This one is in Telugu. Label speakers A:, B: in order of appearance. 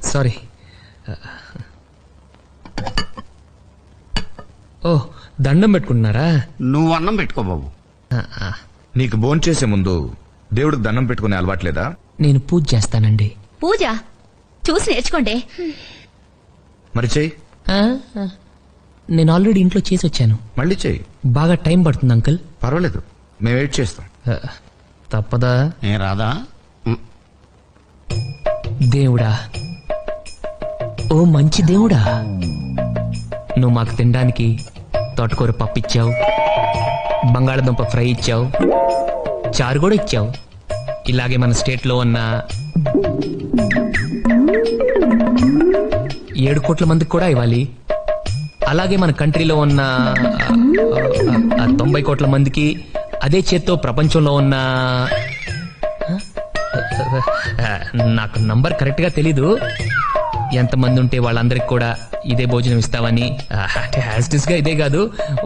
A: సారీ. ఓ, దండం పెట్టుకుంటున్నారా?
B: నువ్వు అన్నం పెట్టుకో బాబు.
C: నీకు భోంచేసే ముందు దేవుడికి దండం పెట్టుకునే అలవాట్లేదా?
A: నేను పూజ చేస్తానండి.
D: పూజ చూసి నేర్చుకోండి.
C: మరి చెయ్యి.
A: నేను ఆల్రెడీ ఇంట్లో చేసి వచ్చాను.
C: మళ్ళీ చెయ్యి.
A: బాగా టైం పడుతుంది అంకుల్.
C: పర్వాలేదు, మేము వెయిట్ చేస్తాం.
A: తప్పదా?
B: ఏ రాదా?
A: దేవుడా, ఓ మంచి దేవుడా, నువ్వు మాకు తినడానికి తోటకూర పప్పు ఇచ్చావు, బంగాళదుంప ఫ్రై ఇచ్చావు, చారు కూడా ఇచ్చావు. ఇలాగే మన స్టేట్లో ఉన్న 7 కోట్ల మందికి కూడా ఇవ్వాలి. అలాగే మన కంట్రీలో ఉన్న 90 కోట్ల మందికి, అదే చేత్తో ప్రపంచంలో ఉన్న నాకు నంబర్ కరెక్ట్ గా తెలీదు, ఎంతమంది ఉంటే వాళ్ళందరికి కూడా ఇదే భోజనం ఇస్తావని. అంటే యాజ్ ఇట్ ఈస్ గా ఇదే కాదు,